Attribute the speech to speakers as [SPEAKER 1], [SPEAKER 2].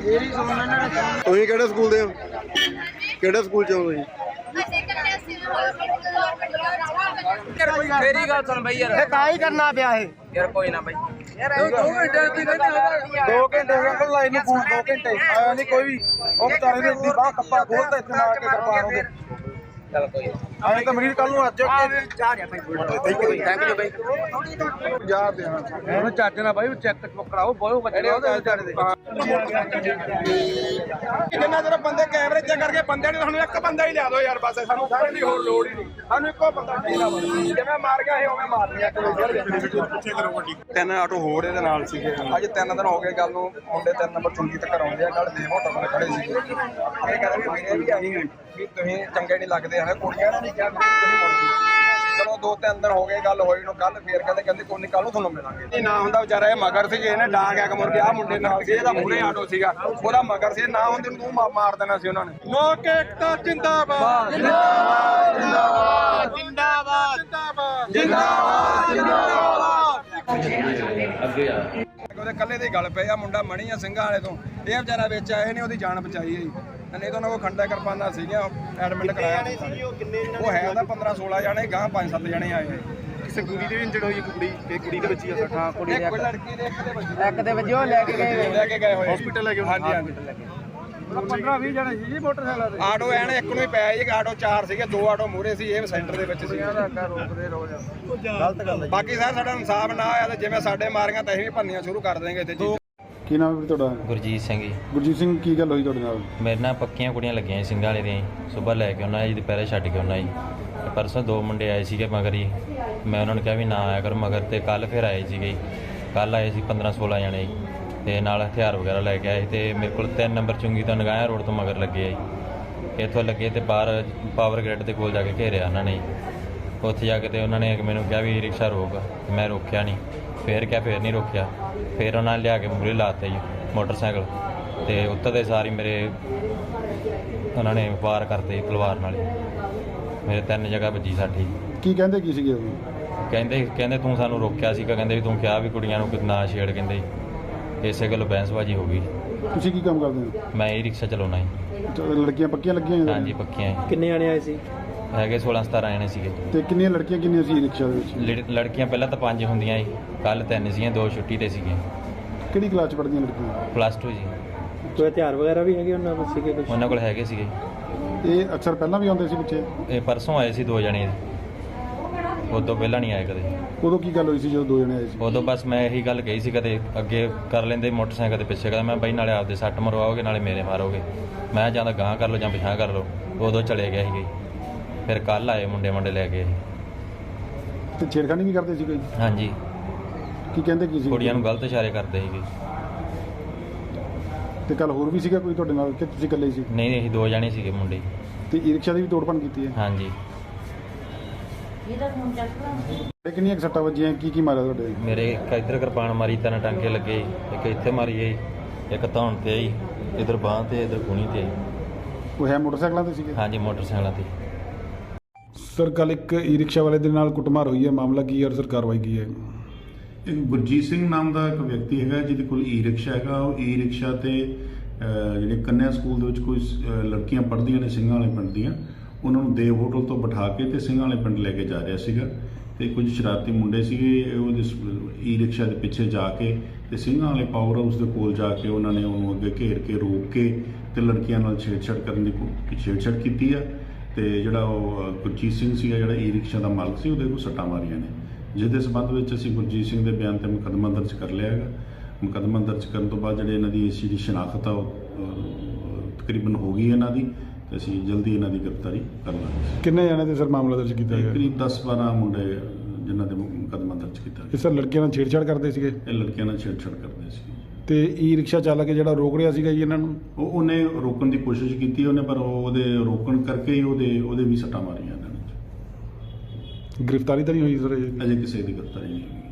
[SPEAKER 1] ਤੁਸੀਂ ਕਿਹੜੇ ਸਕੂਲ ਦੇ ਹੋ? ਕਿਹੜੇ ਸਕੂਲ ਚ ਹੋ ਤੁਸੀਂ?
[SPEAKER 2] ਮੇਰੀ ਗੱਲ ਸੁਣ ਬਈ ਯਾਰ,
[SPEAKER 3] ਤਾਂ ਹੀ ਕਰਨਾ ਪਿਆ ਇਹ
[SPEAKER 2] ਯਾਰ ਕੋਈ ਨਾ ਬਈ ਯਾਰ
[SPEAKER 3] 2 ਘੰਟੇ ਹੋ ਗਏ ਲਾਈਨ ਨੂੰ ਫੋਨ 2 ਘੰਟੇ ਆਇਆ ਨਹੀਂ ਕੋਈ ਵੀ। ਉਹ ਵਿਚਾਰੇ ਨੇ ਇੱਦੀ ਬਾਹ ਕੱਪਾ ਖੋਲਦਾ ਇੱਥੇ ਮਾਰ ਕੇ ਕਿਰਪਾਨ ਉਹਦੇ।
[SPEAKER 2] ਚੱਲ ਕੋਈ ਨਾ।
[SPEAKER 3] ਆਏ ਤਾਂ ਮਰੀਜ਼ ਕੱਲ ਨੂੰ ਅੱਜ ਚਾਹ ਰਿਹਾ ਭਾਈ
[SPEAKER 2] ਥੈਂਕ ਯੂ ਬਈ।
[SPEAKER 3] ਯਾਰ ਦੇਣਾ ਉਹਨੂੰ ਚੱਜ ਨਾਲ ਬਾਈ ਚੈੱਕ ਕਰਾਓ ਬਹੁਤ ਬੱਚੇ ਉਹਦੇ ਵਿਚਾਰੇ ਦੇ।
[SPEAKER 4] ਜਿੰਨਾ ਚਿਰ ਬੰਦੇ ਕੈਮਰੇ ਚੈੱਕ ਕਰਕੇ ਬੰਦੇ ਨੇ ਸਾਨੂੰ ਇੱਕ ਬੰਦਾ ਹੀ ਲਿਆ ਦਿਓ ਯਾਰ, ਬਸ ਸਾਨੂੰ ਸਾਰੇ ਦੀ ਹੋਰ ਲੋੜ ਹੀ ਨਹੀਂ। ਸਾਨੂੰ ਇੱਕੋ ਬੰਦਾ ਚਾਹੀਦਾ ਵਾ, ਜਿਵੇਂ ਮਾਰ ਗਿਆ ਇਹ ਉਵੇਂ ਮਾਰ ਲਿਆ।
[SPEAKER 1] ਤਿੰਨ ਆਟੋ ਹੋਰ ਇਹਦੇ ਨਾਲ ਸੀਗੇ।
[SPEAKER 4] ਅੱਜ 3 ਦਿਨ ਹੋ ਗਏ ਗੱਲ ਨੂੰ, ਮੁੰਡੇ 3 ਨੰਬਰ ਚੁੰਗੀ ਤੱਕ ਆਉਂਦੇ ਆ। ਕੱਲ ਦੇ ਹੋਟਲ ਤੇ ਖੜੇ ਸੀਗੇ, ਇਹ ਕਹਿੰਦੇ ਵੀ ਮੇਰੇ ਵੀ ਆਈ ਵੀ ਤੁਸੀਂ ਚੰਗੇ ਨਹੀਂ ਲੱਗਦੇ ਹਨ। ਕੁੜੀਆਂ ਨੇ ਨਹੀਂ ਕਿਹਾ ਤੁਸੀਂ ਮੁੜ ਜਾਓ। ਚਲੋ 2-3 ਦਿਨ ਹੋ ਗਏ ਗੱਲ ਹੋਈ ਨੂੰ, ਕੱਲ ਫੇਰ ਕਹਿੰਦੇ ਕੋਈ ਨਹੀਂ ਕੱਲ ਨੂੰ ਤੁਹਾਨੂੰ ਮਿਲਾਂਗੇ। ਇਹ ਨਾ ਹੁੰਦਾ ਵਿਚਾਰਾ ਇਹ ਮਗਰ ਸੀ, ਇਹਨੇ ਡਾਂਗ ਐ ਮੁੜ ਕੇ ਆ ਮੁੰਡੇ ਨਾਲ ਸੀ, ਇਹਦਾ ਮੂਹਰੇ ਆਟੋ ਸੀਗਾ ਉਹਦਾ ਮਗਰ ਸੀ, ਨਾ ਹੁੰਦੇ ਨੂੰ ਤੂੰ ਮਾਰ ਦੇਣਾ ਸੀ ਉਹਨਾਂ ਨੇ। ਲੋਕ ਏਕਤਾ ਜਿੰਦਾਬਾਦ ਜਿੰਦਾਬਾਦ ਜਿੰਦਾਬਾਦ ਜਿੰਦਾਬਾਦ ਜਿੰਦਾਬਾਦ ਜਿੰਦਾਬਾਦ।
[SPEAKER 2] ਅੱਗੇ ਆ
[SPEAKER 4] ਉਹਦੇ ਕੱਲੇ ਦੀ ਗੱਲ ਪਈ ਆ, ਮੁੰਡਾ ਮਣੀ ਆ ਸਿੰਘਾਂ ਵਾਲੇ ਤੋਂ, ਇਹ ਵਿਚਾਰਾ ਵਿੱਚ ਆਏ ਨੇ, ਉਹਦੀ ਜਾਨ ਬਚਾਈ ਹੈ ਜੀ। ਨਹੀਂ ਤਾਂ ਉਹਨਾਂ ਕੋਲ ਖੰਡਾ ਕਿਰਪਾਨਾਂ ਸੀਗੀਆਂ, ਐਡਮਿਟ ਕਰਾਇਆ। ਉਹ ਹੈ ਤਾਂ 15-16 ਜਾਣੇ, ਗਾਂ 5-7 ਜਾਣੇ ਆਏ।
[SPEAKER 3] ਕਿਸੇ ਕੁੜੀ ਦੇ ਵੀ ਇੰਜਰਡ ਹੋਈ ਕੁੜੀ, ਇਹ ਕੁੜੀ ਦੇ ਵਿੱਚ ਹੀ ਆ ਸੱਟ। ਹਾਂ ਕੁੜੀ
[SPEAKER 4] ਇੱਕ ਲੜਕੀ ਦੇ
[SPEAKER 3] ਇੱਕ ਦੇ ਵਜੋਂ ਲੈ ਕੇ
[SPEAKER 4] ਗਏ ਹੋਏ
[SPEAKER 3] ਹਸਪੀਟਲ ਲੈ ਕੇ।
[SPEAKER 4] ਹਾਂਜੀ ਹਾਂਜੀ
[SPEAKER 3] 15-20 ਜਣੇ ਸੀ ਜੀ ਮੋਟਰਸਾਈਕਲ ਤੇ।
[SPEAKER 4] ਆਟੋ ਐਨ ਇੱਕ ਨੂੰ ਹੀ ਪਿਆ ਜੀ, ਆਟੋ 4 ਸੀਗੇ, 2 ਆਟੋ ਮੂਹਰੇ ਸੀ, ਇਹ ਸੈਂਟਰ ਦੇ ਵਿੱਚ ਸੀ।
[SPEAKER 3] ਰੋਕਦੇ ਰੋਜ਼ ਗਲਤ ਗੱਲ ਹੈ।
[SPEAKER 4] ਬਾਕੀ ਸਰ ਸਾਡਾ ਇਨਸਾਫ ਨਾ ਹੋਇਆ ਤਾਂ ਜਿਵੇਂ ਸਾਡੇ ਮਾਰੀਆਂ ਤਾਂ ਅਸੀਂ ਵੀ ਭੰਨੀਆਂ ਸ਼ੁਰੂ ਕਰ ਦੇਵਾਂਗੇ ਇੱਥੇ ਜੀ।
[SPEAKER 1] ਕੀ ਨਾਮ ਹੈ ਤੁਹਾਡਾ?
[SPEAKER 5] ਗੁਰਜੀਤ ਸਿੰਘ ਜੀ।
[SPEAKER 1] ਗੁਰਜੀਤ ਸਿੰਘ, ਕੀ ਗੱਲ ਹੋਈ ਤੁਹਾਡੇ ਨਾਲ?
[SPEAKER 5] ਮੇਰੇ ਨਾਲ ਪੱਕੀਆਂ ਕੁੜੀਆਂ ਲੱਗੀਆਂ ਸੀ ਸਿੰਘਾਂ ਵਾਲੇ ਦੀਆਂ। ਸੁਬਾਹ ਲੈ ਕੇ ਉਹਨਾਂ ਜੀ ਦੁਪਹਿਰੇ ਛੱਡ ਕੇ ਉਹਨਾਂ ਜੀ। ਤੇ ਪਰਸੋਂ 2 ਮੁੰਡੇ ਆਏ ਸੀਗੇ ਮਗਰ ਹੀ, ਮੈਂ ਉਹਨਾਂ ਨੂੰ ਕਿਹਾ ਵੀ ਨਾ ਆਇਆ ਕਰ ਮਗਰ, ਤੇ ਕੱਲ ਫਿਰ ਆਏ ਸੀਗੇ। ਕੱਲ ਆਏ ਸੀ 15-16 ਜਣੇ ਜੀ, ਤੇ ਨਾਲ ਹਥਿਆਰ ਵਗੈਰਾ ਲੈ ਕੇ ਆਏ। ਤੇ ਮੇਰੇ ਕੋਲ 3 ਨੰਬਰ ਚੁੰਗੀ ਤੋਂ ਨਗਾਇਆ ਰੋਡ ਤੋਂ ਮਗਰ ਲੱਗੇ ਆ ਜੀ। ਇੱਥੋਂ ਲੱਗੇ ਤੇ ਬਾਹਰ ਪਾਵਰ ਗ੍ਰਿਡ ਦੇ ਕੋਲ ਜਾ ਕੇ ਘੇਰਿਆ ਉਹਨਾਂ ਨੇ। ਉੱਥੇ ਜਾ ਕੇ ਤੇ ਉਹਨਾਂ ਨੇ ਮੈਨੂੰ ਕਿਹਾ ਵੀ ਰਿਕਸ਼ਾ ਰੋਕ, ਤੇ ਮੈਂ ਰੋਕਿਆ ਨਹੀਂ। ਫੇਰ ਨਹੀਂ ਰੋਕਿਆ। ਫਿਰ ਉਹਨਾਂ ਨੇ ਲਿਆ ਕੇ ਮੂਹਰੇ ਲਾਤੇ ਜੀ ਮੋਟਰਸਾਈਕਲ, ਤੇ ਉੱਤਰਦੇ ਸਾਰੀ ਮੇਰੇ ਉਹਨਾਂ ਨੇ ਵਾਰ ਕਰਤੇ ਤਲਵਾਰ ਨਾਲ। ਮੇਰੇ 3 ਜਗ੍ਹਾ ਵੱਜੀ ਸਾਡੀ।
[SPEAKER 1] ਕੀ ਕਹਿੰਦੇ ਕੀ ਸੀਗੇ ਉਹ?
[SPEAKER 5] ਕਹਿੰਦੇ ਤੂੰ ਸਾਨੂੰ ਰੋਕਿਆ ਸੀਗਾ, ਕਹਿੰਦੇ ਵੀ ਤੂੰ ਕਿਹਾ ਵੀ ਕੁੜੀਆਂ ਨੂੰ ਨਾ ਛੇੜ, ਕਹਿੰਦੇ ਇਸੇ ਗੱਲੋਂ ਬਹਿਸਬਾਜ਼ੀ ਹੋ ਗਈ।
[SPEAKER 1] ਤੁਸੀਂ ਕੀ ਕੰਮ ਕਰਦੇ ਹੋ?
[SPEAKER 5] ਮੈਂ ਇਹ ਰਿਕਸ਼ਾ ਚਲਾਉਣਾ ਜੀ।
[SPEAKER 1] ਲੜਕੀਆਂ ਪੱਕੀਆਂ ਲੱਗੀਆਂ ਹੋਈਆਂ?
[SPEAKER 5] ਹਾਂਜੀ ਪੱਕੀਆਂ ਜੀ।
[SPEAKER 3] ਕਿੰਨੇ ਜਣੇ ਆਏ ਸੀ?
[SPEAKER 5] ਹੈਗੇ 16-17 ਜਣੇ ਸੀਗੇ।
[SPEAKER 1] ਤੇ ਕਿੰਨੀਆਂ ਲੜਕੀਆਂ ਕਿੰਨੀਆਂ ਸੀ ਰਿਕਸ਼ਾ ਦੇ ਵਿੱਚ?
[SPEAKER 5] ਲੜਕੀਆਂ ਪਹਿਲਾਂ ਤਾਂ 5 ਹੁੰਦੀਆਂ ਜੀ, ਕੱਲ 3 ਸੀਗੀਆਂ, 2 ਛੁੱਟੀ ਤੇ ਸੀਗੀਆਂ।
[SPEAKER 1] ਕਿਹੜੀ ਕਲਾਸ ਚ ਪੜ੍ਹਦੀਆਂ ਲੜਕੀਆਂ?
[SPEAKER 5] +2 ਜੀ।
[SPEAKER 3] ਕੋਈ ਹਥਿਆਰ ਵਗੈਰਾ ਵੀ ਹੈਗੇ ਉਹਨਾਂ ਕੋਲ ਸੀਗੇ ਕੁਝ?
[SPEAKER 5] ਉਹਨਾਂ ਕੋਲ ਹੈਗੇ ਸੀਗੇ।
[SPEAKER 1] ਇਹ ਅਕਸਰ ਪਹਿਲਾਂ ਵੀ ਆਉਂਦੇ ਸੀ ਪਿੱਛੇ?
[SPEAKER 5] ਇਹ ਪਰਸੋਂ ਆਏ ਸੀ 2 ਜਣੇ, ਉਦੋਂ ਪਹਿਲਾਂ ਨਹੀਂ ਆਏ ਕਦੇ।
[SPEAKER 1] ਉਦੋਂ ਕੀ ਗੱਲ ਹੋਈ ਸੀ ਜਦੋਂ 2 ਜਣੇ ਆਏ ਸੀ?
[SPEAKER 5] ਉਦੋਂ ਬਸ ਮੈਂ ਇਹੀ ਗੱਲ ਕਹੀ ਸੀ, ਕਦੇ ਅੱਗੇ ਕਰ ਲੈਂਦੇ ਮੋਟਰਸਾਈਕਲ ਦੇ ਪਿੱਛੇ, ਕਹਿੰਦਾ ਮੈਂ ਬਈ ਨਾਲੇ ਆਪਦੇ ਸੱਟ ਮਰਵਾਓਗੇ ਨਾਲੇ ਮੇਰੇ ਮਾਰੋਗੇ। ਮੈਂ ਜਾਂ ਤਾਂ ਗਾਂਹ ਕਰ ਲਓ ਜਾਂ ਪਿਛਾਂਹ ਕਰ ਲਓ। ਉਦੋਂ ਚਲੇ ਗਿਆ ਸੀਗੇ। ਫਿਰ ਕੱਲ ਆਏ ਮੁੰਡੇ ਲੈ ਕੇ।
[SPEAKER 1] ਤੇ ਛੇੜਖਾਨੀ ਵੀ ਕਰਦੇ ਸੀ ਕੋਈ?
[SPEAKER 5] ਹਾਂਜੀ।
[SPEAKER 1] ਕੀ ਕਹਿੰਦੇ ਕੀ ਸੀ?
[SPEAKER 5] ਕੁੜੀਆਂ ਨੂੰ ਗਲਤ ਇਸ਼ਾਰੇ ਕਰਦੇ ਸੀਗੇ।
[SPEAKER 1] ਤੇ ਕੱਲ ਹੋਰ ਵੀ ਸੀਗਾ ਕੋਈ ਤੁਹਾਡੇ ਨਾਲ ਕਿ ਤੁਸੀਂ ਇਕੱਲੇ ਸੀ?
[SPEAKER 5] ਨਹੀਂ ਅਸੀਂ 2 ਜਣੇ ਸੀਗੇ ਮੁੰਡੇ।
[SPEAKER 1] ਤੇ ਈ ਰਿਕਸ਼ਾ ਦੀ ਵੀ ਤੋੜਪਣ ਕੀਤੀ ਹੈ?
[SPEAKER 5] ਹਾਂਜੀ।
[SPEAKER 1] ਤੇ ਕਿੰਨੀਆਂ ਕੁ ਸੱਟਾਂ ਵੱਜੀਆਂ? ਕੀ ਮਾਰਿਆ ਤੁਹਾਡੇ?
[SPEAKER 5] ਮੇਰੇ ਇੱਕ ਇੱਧਰ ਕਿਰਪਾਨ ਮਾਰੀ, 3 ਟਾਂਕੇ ਲੱਗੇ, ਇੱਕ ਇੱਥੇ ਮਾਰੀ ਗਈ, ਇੱਕ ਧੌਣ ਤੇ ਆਈ, ਇੱਧਰ ਬਾਂਹ ਤੇ, ਇੱਧਰ ਕੂਣੀ ਤੇ ਆਈ।
[SPEAKER 1] ਉਹ ਹੈ ਮੋਟਰਸਾਈਕਲਾਂ ਤੇ ਸੀਗੇ?
[SPEAKER 5] ਹਾਂਜੀ ਮੋਟਰਸਾਈਕਲਾਂ ਤੇ।
[SPEAKER 1] ਸਰ ਕੱਲ ਇੱਕ ਈ ਰਿਕਸ਼ਾ ਵਾਲੇ ਦੇ ਨਾਲ ਕੁੱਟਮਾਰ ਹੋਈ ਹੈ, ਮਾਮਲਾ ਕੀ ਹੈ ਔਰ ਸਰ ਕਾਰਵਾਈ ਕੀ ਹੈ?
[SPEAKER 6] ਇੱਕ ਗੁਰਜੀਤ ਸਿੰਘ ਨਾਮ ਦਾ ਇੱਕ ਵਿਅਕਤੀ ਹੈਗਾ ਜਿਹਦੇ ਕੋਲ ਈ ਰਿਕਸ਼ਾ ਹੈਗਾ। ਉਹ ਈ ਰਿਕਸ਼ਾ ਤੇ ਜਿਹੜੇ ਕੰਨਿਆ ਸਕੂਲ ਦੇ ਵਿੱਚ ਕੋਈ ਲੜਕੀਆਂ ਪੜ੍ਹਦੀਆਂ ਨੇ ਸਿੰਘਾਂ ਵਾਲੇ ਪਿੰਡ ਦੀਆਂ, ਉਹਨਾਂ ਨੂੰ ਦੇਵ ਹੋਟਲ ਤੋਂ ਬਿਠਾ ਕੇ ਤੇ ਸਿੰਘਾਂ ਵਾਲੇ ਪਿੰਡ ਲੈ ਕੇ ਜਾ ਰਿਹਾ ਸੀਗਾ। ਤੇ ਕੁਝ ਸ਼ਰਾਰਤੀ ਮੁੰਡੇ ਸੀਗੇ, ਉਹਦੇ ਈ ਰਿਕਸ਼ਾ ਦੇ ਪਿੱਛੇ ਜਾ ਕੇ ਤੇ ਸਿੰਘਾਂ ਵਾਲੇ ਪਾਵਰ ਹਾਊਸ ਦੇ ਕੋਲ ਜਾ ਕੇ ਉਹਨਾਂ ਨੇ ਉਹਨੂੰ ਅੱਗੇ ਘੇਰ ਕੇ ਰੋਕ ਕੇ ਤੇ ਲੜਕੀਆਂ ਨਾਲ ਛੇੜਛਾੜ ਕਰਨ ਦੀ ਛੇੜਛਾੜ ਕੀਤੀ ਆ। ਤੇ ਜਿਹੜਾ ਉਹ ਗੁਰਜੀਤ ਸਿੰਘ ਸੀਗਾ, ਜਿਹੜਾ ਈ ਰਿਕਸ਼ਾ ਦਾ ਮਾਲਕ ਸੀ, ਉਹਦੇ ਕੋਲ ਸੱਟਾਂ ਮਾਰੀਆਂ ਨੇ, ਜਿਹਦੇ ਸਬੰਧ ਵਿੱਚ ਅਸੀਂ ਗੁਰਜੀਤ ਸਿੰਘ ਦੇ ਬਿਆਨ ਤੇ ਮੁਕੱਦਮਾ ਦਰਜ ਕਰ ਲਿਆ ਹੈਗਾ। ਮੁਕੱਦਮਾ ਦਰਜ ਕਰਨ ਤੋਂ ਬਾਅਦ ਜਿਹੜੇ ਇਹਨਾਂ ਦੀ ਇਸ ਚੀਜ਼ ਦੀ ਸ਼ਨਾਖਤ ਆ ਉਹ ਤਕਰੀਬਨ ਹੋ ਗਈ ਇਹਨਾਂ ਦੀ, ਤੇ ਅਸੀਂ ਜਲਦੀ ਇਹਨਾਂ ਦੀ ਗ੍ਰਿਫਤਾਰੀ ਕਰ ਲਾਂਗੇ।
[SPEAKER 1] ਕਿੰਨੇ ਜਣੇ ਤੇ ਸਰ ਮਾਮਲਾ ਦਰਜ ਕੀਤਾ ਗਿਆ?
[SPEAKER 6] ਕਰੀਬ 10-12 ਮੁੰਡੇ ਜਿਨ੍ਹਾਂ ਦੇ ਮੁਕੱਦਮਾ ਦਰਜ ਕੀਤਾ ਗਿਆ।
[SPEAKER 1] ਇਹ ਸਰ ਲੜਕੀਆਂ ਨਾਲ ਛੇੜਛਾੜ ਕਰਦੇ ਸੀਗੇ?
[SPEAKER 6] ਇਹ ਲੜਕੀਆਂ ਨਾਲ ਛੇੜਛਾੜ ਕਰਦੇ ਸੀ।
[SPEAKER 1] ਤੇ ਈ ਰਿਕਸ਼ਾ ਚਾਲਕ ਜਿਹੜਾ ਰੋਕ ਰਿਹਾ ਸੀਗਾ ਜੀ ਇਹਨਾਂ ਨੂੰ?
[SPEAKER 6] ਉਹਨੇ ਰੋਕਣ ਦੀ ਕੋਸ਼ਿਸ਼ ਕੀਤੀ ਉਹਨੇ, ਪਰ ਉਹਦੇ ਰੋਕਣ ਕਰਕੇ ਹੀ ਉਹਦੇ ਵੀ ਸੱਟਾਂ ਮਾਰੀਆਂ ਇਹਨਾਂ ਨੇ।
[SPEAKER 1] ਗ੍ਰਿਫਤਾਰੀ ਤਾਂ ਨਹੀਂ ਹੋਈ ਸਰ?
[SPEAKER 6] ਅਜੇ ਕਿਸੇ ਦੀ ਗ੍ਰਿਫਤਾਰੀ ਨਹੀਂ ਹੋਈ।